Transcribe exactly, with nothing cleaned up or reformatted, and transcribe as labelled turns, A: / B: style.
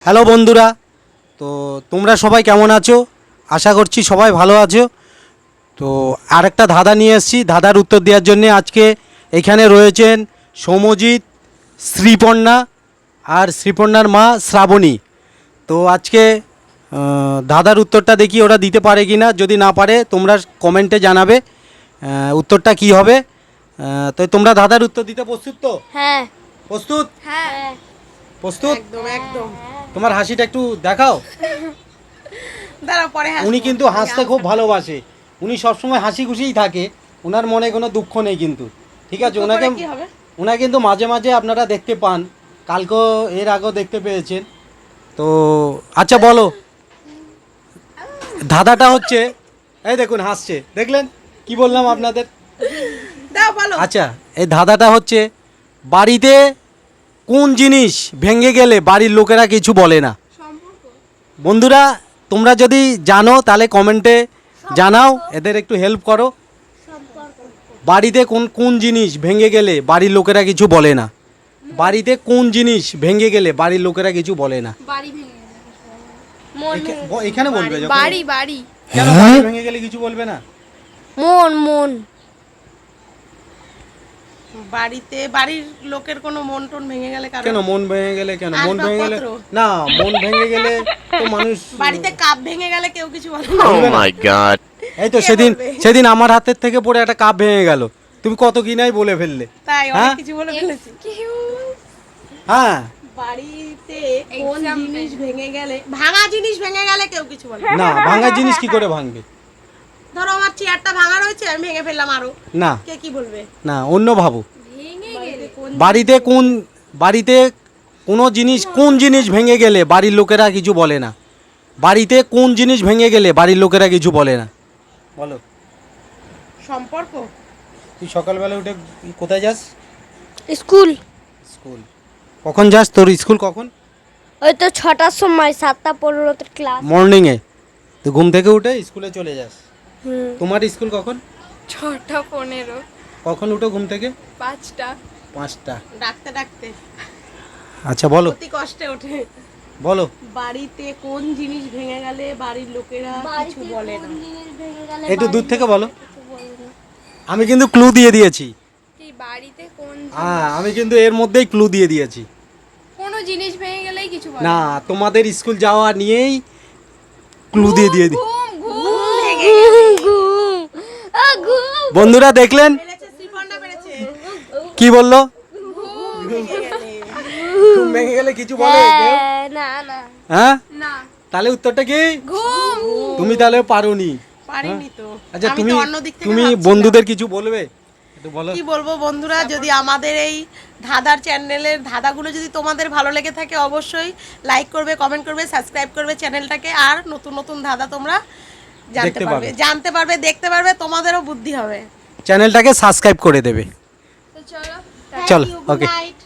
A: Hello বন্ধুরা, তো তোমরা সবাই কেমন আছো? আশা করছি সবাই ভালো আছো। তো আরেকটা ধাঁধা নিয়ে এসেছি, ধাঁধার উত্তর দেওয়ার জন্য আজকে এখানে রয়েছেন সৌম্যজিৎ, শ্রীপর্ণা আর শ্রীপর্ণার মা শ্রাবণী। তো আজকে আহ, ধাঁধার উত্তরটা দেখি ওরা দিতে পারে কি না। যদি না পারে তোমরা কমেন্টে জানাবে আহ, উত্তরটা কি হবে। আহ, তো তোমরা ধাঁধার উত্তর দিতে প্রস্তুত তো?
B: হ্যাঁ
A: প্রস্তুত?
B: হ্যাঁ
A: প্রস্তুত?
C: একদম একদম।
A: তোমার হাসিটা একটু দেখাও।
C: দাঁড়াও পরে হাসবো।
A: উনি কিন্তু হাসতে খুব ভালোবাসে, উনি সবসময় হাসি খুশিই থাকে, ওনার মনে কোনো দুঃখ নেই কিন্তু। ঠিক আছে,
C: দুঃখ
A: ওনাকে
C: করে কি হবে?
A: ওনাকে কিন্তু মাঝে মাঝে আপনারা দেখতে পান, কালকেও এর আগেও দেখতে পেয়েছেন। তো আচ্ছা বলো, ধাঁধাটা হচ্ছে, এই দেখুন হাসছে, দেখলেন কি বললাম আপনাদের?
C: দাও বলো।
A: আচ্ছা, এই ধাঁধাটা হচ্ছে, বাড়িতে কোন জিনিস ভেঙে গেলে বাড়ির লোকেরা কিছু বলে না? বন্ধুরা তোমরা যদি জানো তাহলে কমেন্টে জানাও, এদের একটু হেল্প করো। বাড়িতে কোন কোন জিনিস ভেঙে গেলে বাড়ির লোকেরা কিছু বলে না? বাড়িতে কোন জিনিস ভেঙে গেলে বাড়ির লোকেরা কিছু বলে না?
B: বাড়ি ভেঙে গেলে মন
A: এখা-
B: ভেঙে
A: ব- এখানে বলবে যখন-
B: বাড়ি বাড়ি
A: কেন বাড়ি ভেঙে গেলে কিছু বলবে না?
B: মন মন
C: বাড়িতে বাড়ির লোকের কোনো মন টন ভেঙে গেলে কারণ
A: কেন মন ভেঙে গেলে কেন মন ভেঙে গেলে
C: আসবাবপত্র।
A: না, মন ভেঙে গেলে তো মানুষ
C: বাড়িতে কাপ ভেঙে গেলে কেউ কিছু বলে না।
A: বলবে না। এই তো
C: কে
A: সেদিন
C: বলবে?
A: সেদিন আমার হাতের থেকে পড়ে একটা কাপ ভেঙে গেল, তুমি কত কিনাই বলে ফেললে।
C: তাই
A: হ্যাঁ?
C: অনেক কিছু বলে ফেলেছি।
A: হ্যাঁ
C: বাড়িতে কোন
B: Example.
C: জিনিস ভেঙে গেলে, ভাঙা জিনিস ভেঙে গেলে কেউ কিছু বলে না।
A: না, ভাঙা জিনিস কি করে ভাঙবে?
C: ধরো আমার চেয়ারটা ভাঙা রয়েছে, আমি ভেঙে ফেললাম আরো,
A: না
C: কে কি বলবে?
A: না, অন্য ভাবো।
B: ভেঙে
C: বাড়িতে কোন
A: বাড়িতে কোন বাড়িতে কোনো জিনিস কোন জিনিস ভেঙে গেলে বাড়ির লোকেরা কিছু বলে না? বাড়িতে কোন জিনিস ভেঙে গেলে বাড়ির লোকেরা কিছু বলে না? বলো।
C: সম্পর্ক।
A: তুই সকালবেলা উঠে কোথায় যাস?
B: School
A: school. কখন যাস? তোর স্কুল কখন?
B: ওই তো ছটার সময়, সাতটা পনেরোতে ক্লাস।
A: মর্নিংয়ে। তো ঘুম থেকে উঠে স্কুলে চলে যাস।
B: হুম
A: তোমার স্কুল কখন?
D: ছটা পনেরো
A: কখন উঠো ঘুম থেকে?
D: পাঁচটা
A: পাঁচটা।
C: ডাকতে ডাকতে
A: আচ্ছা বলো,
C: অতি কষ্টে ওঠে।
A: বলো।
C: বাড়িতে কোন জিনিস ভেঙে গেলে বাড়ির লোকেরা কিছু বলে না?
A: একটু দূর থেকে বলো। আমি কিন্তু ক্লু দিয়ে দিয়েছি।
D: কি বাড়িতে কোন
A: হ্যাঁ, আমি কিন্তু এর মধ্যেই ক্লু দিয়ে দিয়েছি।
D: কোনো জিনিস ভেঙে গেলেই কিছু বলে
A: না, তোমাদের স্কুল যাওয়া নিয়েই ক্লু দিয়ে দিয়ে দি।
D: ঘুম ঘুম
A: বন্ধুরা দেখলেন
C: পেরেছে, শ্রীপর্ণা পেরেছে।
A: কি বললো?
C: ভেঙে গেলে।
A: ঘুম ভেঙে গেলে কিছু বলে কেউ?
B: না না
A: হ্যাঁ,
D: না
A: তাহলে উত্তরটা কি?
D: ঘুম
A: তুমি তাহলে পারোনি।
C: পারিনি তো।
A: আচ্ছা,
C: আমি
A: তুমি
C: তো অন্য দিক থেকে
A: তুমি
C: ভাবছিলাম।
A: বন্ধুদের কিছু বলবে? একটু বলো।
C: কি বলবো বন্ধুরা, যদি আমাদের এই ধাঁধার চ্যানেলের ধাঁধাগুলো যদি তোমাদের ভালো লেগে থাকে অবশ্যই লাইক করবে, কমেন্ট করবে, সাবস্ক্রাইব করবে চ্যানেলটাকে। আর নতুন নতুন ধাঁধা তোমরা জানতে
A: দেখতে
C: পারবে,
A: পাবে।
C: জানতে পারবে, দেখতে পারবে, তোমাদেরও বুদ্ধি হবে।
A: চ্যানেলটাকে সাবস্ক্রাইব করে দেবে।
D: তো চলো
A: চলো,
C: Thank you, good
A: okay.
C: night.